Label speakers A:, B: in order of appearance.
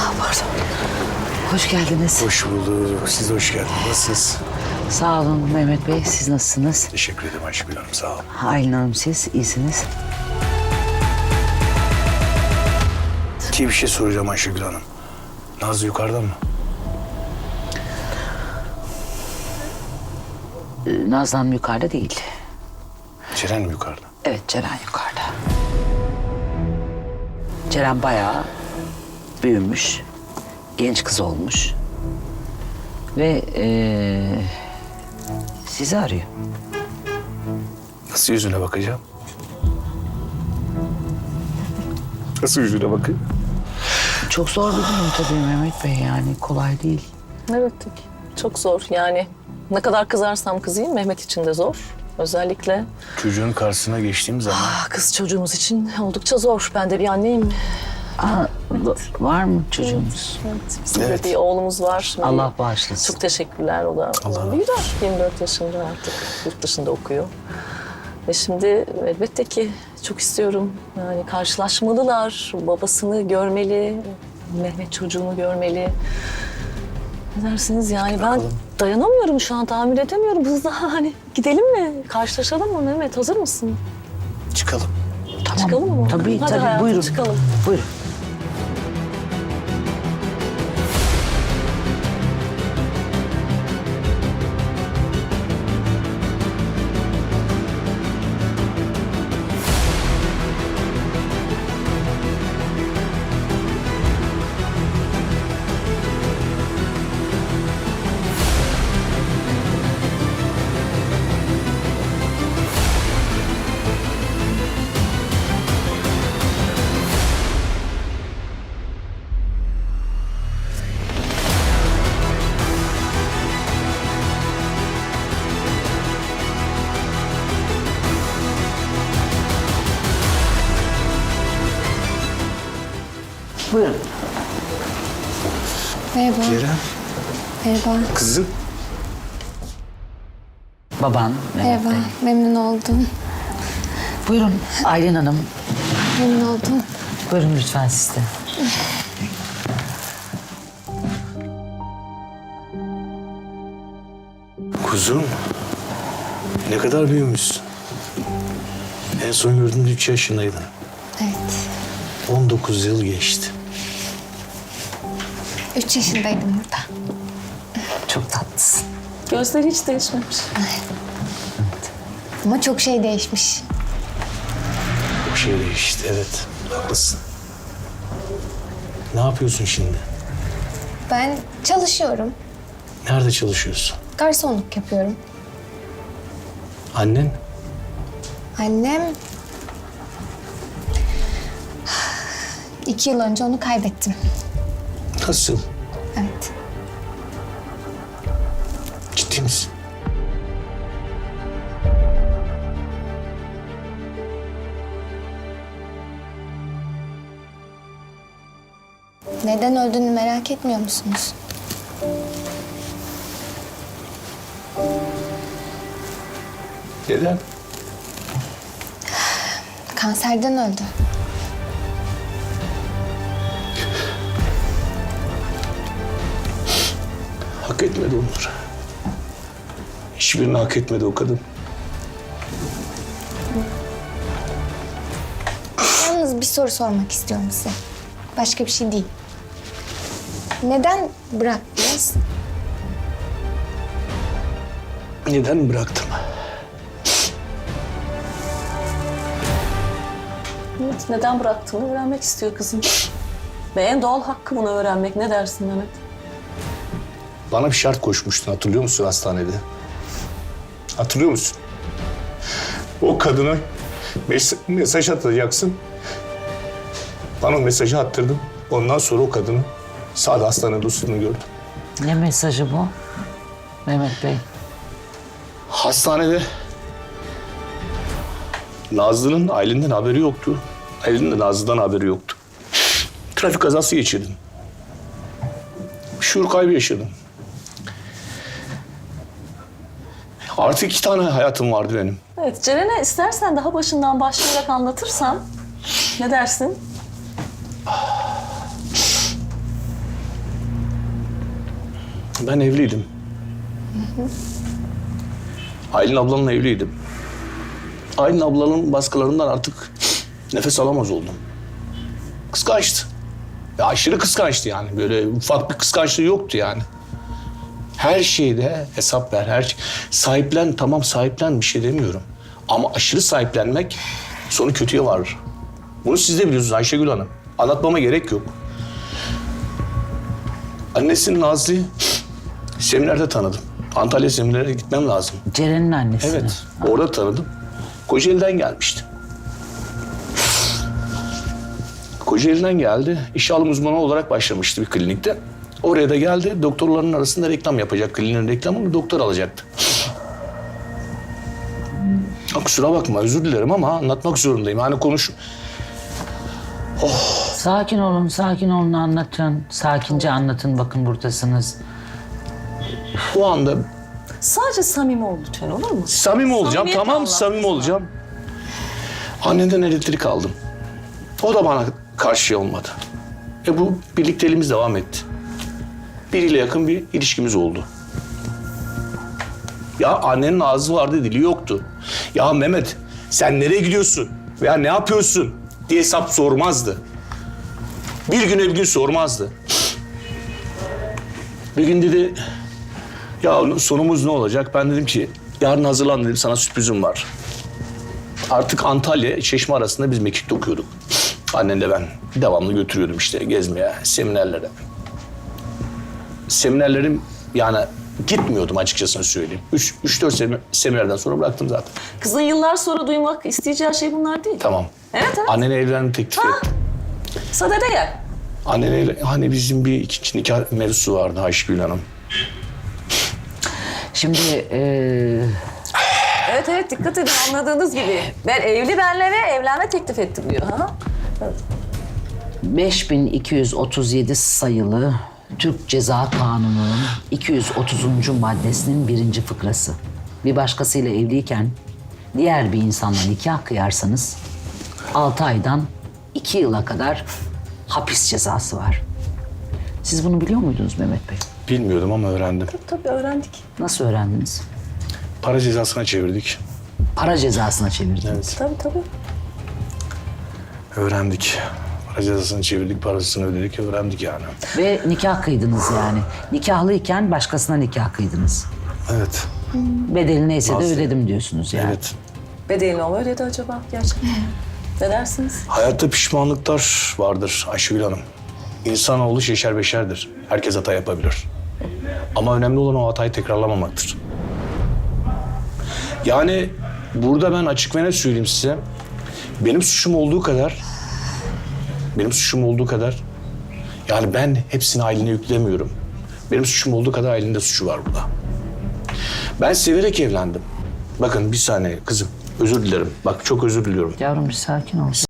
A: Pardon. Hoş geldiniz.
B: Hoş bulduk. Siz de hoş geldiniz. Nasılsınız?
A: Sağ olun Mehmet Bey. Siz nasılsınız?
B: Teşekkür ederim Ayşegül Hanım. Sağ olun.
A: Aylin Hanım siz iyisiniz.
B: Bir şey soracağım Ayşegül Hanım. Nazlı yukarıda mı?
A: Nazlı Hanım yukarıda değil.
B: Ceren mi yukarıda?
A: Evet Ceren yukarıda. Ceren bayağı büyümüş. Genç kız olmuş. Ve sizi arıyor.
B: Nasıl yüzüne bakacağım? Nasıl yüzüne bakayım?
A: Çok zor bir durum tabii Mehmet Bey, yani kolay değil.
C: Evet, çok zor yani. Ne kadar kızarsam kızayım Mehmet için de zor. Özellikle
B: Çocuğun karşısına geçtiğim zaman
C: kız çocuğumuz için oldukça zor. Ben de bir anneyim.
A: Var mı çocuğunuz?
C: Evet, bizim
B: Evet.
C: de bir oğlumuz var.
A: Allah bağışlasın.
C: Çok teşekkürler. O da
B: Allah
C: büyüdü. 24 yaşında artık. Yurt dışında okuyor. Ve şimdi elbette ki çok istiyorum. Yani karşılaşmalılar. Babasını görmeli. Mehmet çocuğunu görmeli. Ne dersiniz yani? Ben dayanamıyorum şu an. Tahammül edemiyorum. Hızlı hani gidelim mi? Karşılaşalım mı Mehmet? Hazır mısın?
B: çıkalım.
A: Tamam.
C: Çıkalım mı?
A: Tabii
C: Hadi
A: tabii
C: hayatım,
A: buyurun.
C: çıkalım.
A: Buyurun. Buyurun.
D: Merhaba.
B: Ceren,
D: Merhaba.
B: kızım.
A: Baban Mehmet
D: Merhaba.
A: Bey.
D: Memnun oldum.
A: Buyurun Aylin Hanım.
D: Memnun oldum.
A: Buyurun lütfen siz de.
B: Kuzum, ne kadar büyümüşsün. En son gördüğümde 3 yaşındaydın.
D: Evet.
B: 19 yıl geçti.
D: 3 yaşındaydım burada.
A: Çok tatlısın.
C: Gözleri hiç değişmemiş.
D: Ama çok şey değişmiş.
B: Çok şey değişti, evet. Haklısın. Ne yapıyorsun şimdi?
D: Ben çalışıyorum.
B: Nerede çalışıyorsun?
D: Garsonluk yapıyorum.
B: Annen?
D: Annem... 2 yıl önce onu kaybettim.
B: Nasıl?
D: Evet.
B: Ciddi misin?
D: Neden öldüğünü merak etmiyor musunuz?
B: Neden?
D: Kanserden öldü.
B: Hak etmedi onları. Hiçbirini hak etmedi o kadın.
D: Yalnız bir soru sormak istiyorum size. Başka bir şey değil. Neden bıraktınız?
B: Neden bıraktım?
C: Evet, neden bıraktığını öğrenmek istiyor kızım. Ve en doğal hakkı bunu öğrenmek. Ne dersin Mehmet?
B: Bana bir şart koşmuştun, hatırlıyor musun hastanede? Hatırlıyor musun? O kadına mesaj atacaksın. Bana o mesajı attırdın. Ondan sonra o kadını sağda hastanede usulünü gördüm.
A: Ne mesajı bu Mehmet Bey?
B: Hastanede Nazlı'nın Aylin'den haberi yoktu. Aylin'in de Nazlı'dan haberi yoktu. Trafik kazası geçirdim. Şuur kaybı yaşadım. Artık 2 tane hayatım vardı benim.
C: Evet, Ceren'e istersen daha başından başlayarak anlatırsan ne dersin?
B: Ben evliydim. Aylin ablamla evliydim. Aylin ablanın baskılarından artık nefes alamaz oldum. Kıskançtı. Ya aşırı kıskançtı yani. Böyle ufak bir kıskançlığı yoktu yani. Her şeyde hesap ver, her şey. Sahiplen, tamam sahiplen, bir şey demiyorum. Ama aşırı sahiplenmek sonu kötüye varır. Bunu siz de biliyorsunuz Ayşegül Hanım. Anlatmama gerek yok. Annesinin Nazlı'yı seminerde tanıdım. Antalya seminerine gitmem lazım.
A: Ceren'in annesini.
B: Evet, orada tanıdım. Kocaeli'den gelmişti. Kocaeli'den geldi. İş alım uzmanı olarak başlamıştı bir klinikte. Oraya da geldi. Doktorların arasında reklam yapacak. Kliniğin reklamını doktor alacaktı. Ya kusura bakma, özür dilerim ama anlatmak zorundayım. Hani konuş...
A: Sakin olun, sakin olun, anlatın. Sakince anlatın, bakın buradasınız.
B: O anda
C: Sadece samimi ol lütfen, olur mu?
B: samimi olacağım.
C: Samimiyet
B: Tamam,
C: anlat.
B: samimi olacağım. Annenden elektrik aldım. O da bana karşı olmadı. Bu birlikteliğimiz devam etti. Biriyle yakın bir ilişkimiz oldu. Ya annenin ağzı vardı, dili yoktu. Ya Mehmet, sen nereye gidiyorsun? Veya ne yapıyorsun? Diye hesap sormazdı. Bir güne bir gün sormazdı. Bir gün dedi, ya sonumuz ne olacak? Ben dedim ki, yarın hazırlan dedim, sana sürprizim var. Artık Antalya, Çeşme arasında biz mekikte okuyorduk. Annenle ben devamlı götürüyordum işte gezmeye, seminerlere. Seminerlerim yani gitmiyordum açıkçası söyleyeyim. 3-4 seminerden sonra bıraktım zaten.
C: Kızın yıllar sonra duymak isteyeceği şey bunlar değil.
B: Tamam.
C: Evet, evet.
B: Annene evlenme teklif ettim.
C: Sadede gel.
B: Annene hani bizim bir ikinci nikah mevzusu vardı Ayşegül Hanım.
A: Şimdi
C: Evet evet, dikkat edin, anladığınız gibi. Ben evli benle ve evlenme teklif ettim diyor. Ha?
A: 5237 sayılı Türk Ceza Kanunu'nun 230. maddesinin 1. fıkrası. Bir başkasıyla evliyken diğer bir insanla nikah kıyarsanız 6 aydan 2 yıla kadar hapis cezası var. Siz bunu biliyor muydunuz Mehmet Bey?
B: Bilmiyordum ama öğrendim.
C: Tabii öğrendik.
A: Nasıl öğrendiniz?
B: Para cezasına çevirdik.
A: Para cezasına çevirdiniz.
C: Tabii.
B: Öğrendik. Para cezasını çevirdik, parasını ödedik, öğrendik yani.
A: Ve nikah kıydınız yani. Nikahlıyken başkasına nikah kıydınız.
B: Evet,
A: Bedeli neyse de
B: Nasıl?
A: ödedim diyorsunuz yani.
B: evet.
C: Bedelini o mu ödedi acaba gerçekten? Ne dersiniz?
B: Hayatta pişmanlıklar vardır Ayşegül Hanım. İnsanoğlu şeşer beşerdir. Herkes hata yapabilir. Ama önemli olan o hatayı tekrarlamamaktır. Yani burada ben açık ve net söyleyeyim size. Benim suçum olduğu kadar yani ben hepsini Aylin'e yüklemiyorum. Benim suçum olduğu kadar Aylin'in de suçu var burada. Ben severek evlendim. Bakın bir saniye kızım, özür dilerim. Bak çok özür diliyorum.
A: Yavrum bir sakin ol.